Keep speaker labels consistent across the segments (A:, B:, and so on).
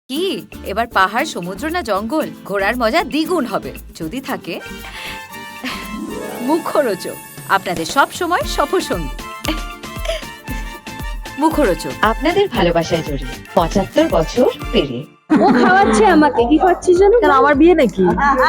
A: কি এবার পাহাড়, সমুদ্র না জঙ্গল? ঘোরার মজা দ্বিগুণ হবে যদি থাকে মুখরোচক, আপনাদের সব সময় সফরসঙ্গী। মুখরোচক আপনাদের ভালোবাসায় জড়িয়ে ৭৫ বছর পেরিয়ে।
B: ও খাওয়াচ্ছে আমাকে। কি খাওয়াচ্ছিস জানো?
C: আমার বিয়ে নাকি?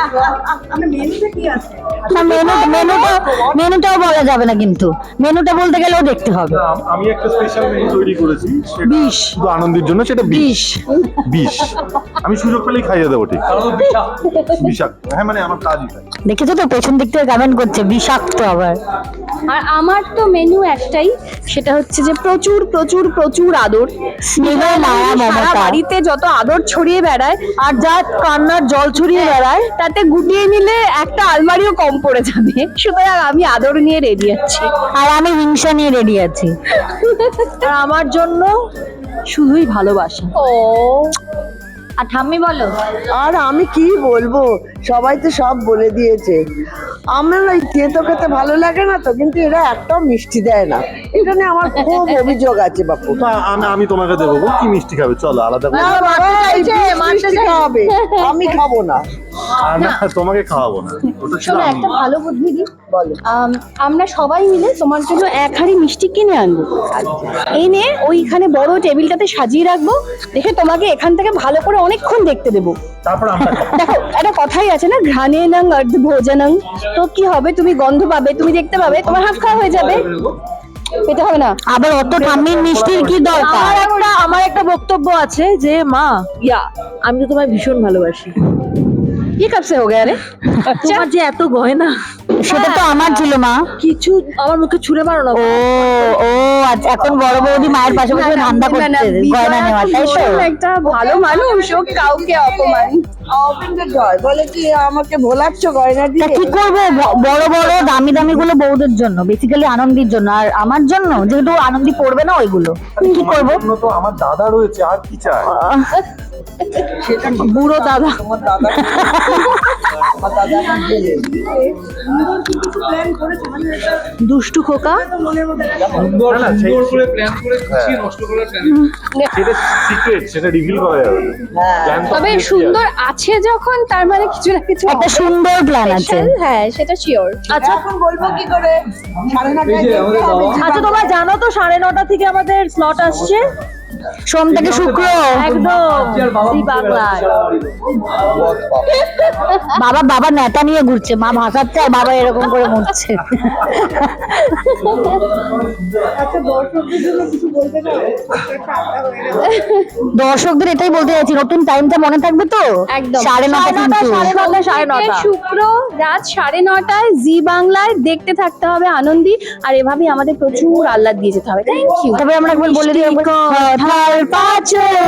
C: মেনুটাও বলা যাবে না, কিন্তু মেনুটা বলতে গেলেও দেখতে হবে।
D: আমি একটা স্পেশাল মেনু তৈরি করেছি,
C: বিষ
D: শুধু আনন্দের জন্য, সেটা বিষ। আমি সুযোগ পেলেই খাইয়ে দেবো, ঠিক বিষাক্ত। হ্যাঁ, মানে আমার কাজই তাই।
C: দেখেছো তো, পেছন দিক থেকে কমেন্ট করছে বিষাক্ত আবার।
B: আর আমার তো মেনু একটাই, সেটা হচ্ছে যে প্রচুর প্রচুর প্রচুর আদর,
C: স্নেহ, মায়া,
B: সারা
C: মমতা।
B: বাড়িতে যত আদর ছড়িয়ে বেড়ায় আর যা কান্নার জল ছড়িয়ে বেড়ায়, তাতে গুটিয়ে নিলে একটা আলমারিও কম পড়ে যাবে। সুতরাং আমি আদর নিয়ে রেডি আছি।
C: আর আমি হিংসা নিয়ে রেডি আছি।
B: আর আমার জন্য শুধুই ভালোবাসা। ও
C: আর ঠাম্মি বলো।
E: আর আমি কি বলবো, সবাই তো সব বলে দিয়েছে। আমার ওই তেতো খেতে ভালো লাগে না তো, কিন্তু এরা একটাও মিষ্টি দেয় না। এটা নিয়ে আমার খুব অভিযোগ আছে বাপু।
D: তা আমি তোমাকে দেবো গো, কি মিষ্টি খাবে? চলো আলাদা করে।
E: না বাবা, এই মিষ্টি খাওয়াবে, আমি খাবো না।
D: না, তোমাকে খাওয়াবো না, ওটা ছিল
B: শোনো,
D: আমি।
B: একটা ভালো বুদ্ধি দিই।
E: বলো।
B: আমরা সবাই মিলে তোমার জন্য এক হাঁড়ি মিষ্টি কিনে আনবো, এনে ওইখানে বড় টেবিলটাতে সাজিয়ে রাখবো। দেখে তোমাকে এখান থেকে ভালো করে অনেকক্ষণ দেখতে দেবো।
D: তারপর আমরা খাবো।
B: দেখো, একটা কথাই আছে না, ঘ্রাণে নং অর্ধ ভোজনং। তো কি হবে, তুমি গন্ধ পাবে, তুমি দেখতে পাবে, তোমার হাফ খাওয়া হয়ে যাবে। পেতে হবে না।
C: আবার অত ঠাম্মির মিষ্টির কি দরকার?
F: আমার একটা বক্তব্য আছে যে মা, আমি তো তোমায় ভীষণ ভালোবাসি।
B: কি কাপসে হো গয়া রে?
F: তোমার যে এত গয়না,
C: সেটা তো আমার ছিল মা।
F: কিছু আমার মুখে ছুঁড়ে মারো না।
C: ও ও আচ্ছা, এখন বড় বৌদি মায়ের পাশে বসে ধান্দা করছে গয়না নেওয়া, তাই তো?
B: একটা ভালো মানুষ, ও কাউকে অপমান।
E: অবিন্দ জয় বলে কি আমাকে ভোলাচ্ছ গয়না
C: তা
E: দিয়ে?
C: কি করবো, বড় বড় দামি দামি গুলো বৌদের জন্য, বেসিক্যালি আনন্দির জন্য। আর আমার জন্য যেহেতু আনন্দি পড়বে না ওইগুলো, কি করবো?
D: জন্য তো আমার দাদা রয়েছে, আর কি চাই?
F: বুড়ো দাদা।
E: তোমার দাদা, আমার দাদা গেলে
F: দুষ্টু খোকা।
D: না, না, সুন্দর করে প্ল্যান করে গুছিয়ে নষ্ট করার প্ল্যান। সেটা সিক্রেট, সেটা রিভিল করা যাবে না। Plan তো
B: তবে
D: obviously
B: সুন্দর আছে যখন, তার মানে কিছু না কিছু
C: একটা সুন্দর প্ল্যান আছে।
B: special, হ্যাঁ সেটা শিওর।
E: আচ্ছা, এখন বলবো কি করে? 9:30 দেখতে হবে।
F: আচ্ছা, তোমরা জানো তো 9:30 থেকে আমাদের স্লট আসছে,
C: সোম থেকে শুক্র।
F: একদম জি বাংলায়।
C: বাবা নেতা নিয়ে ঘুরছে, মা ভাসাচ্ছে আর বাবা এরকম করে মরছে। দর্শকদের এটাই বলতে চাইছি, নতুন টাইমটা মনে থাকবে তো?
B: একদম
C: 9:30 কিন্তু।
B: 9:30 শুক্র রাত 9:30 জি বাংলায় দেখতে থাকতে হবে আনন্দী। আর এভাবে আমাদের প্রচুর আহ্লাদ দিয়ে যেতে হবে। Thank you.
C: তবে আমরা একবার বলে দিই, কথার পাঁচন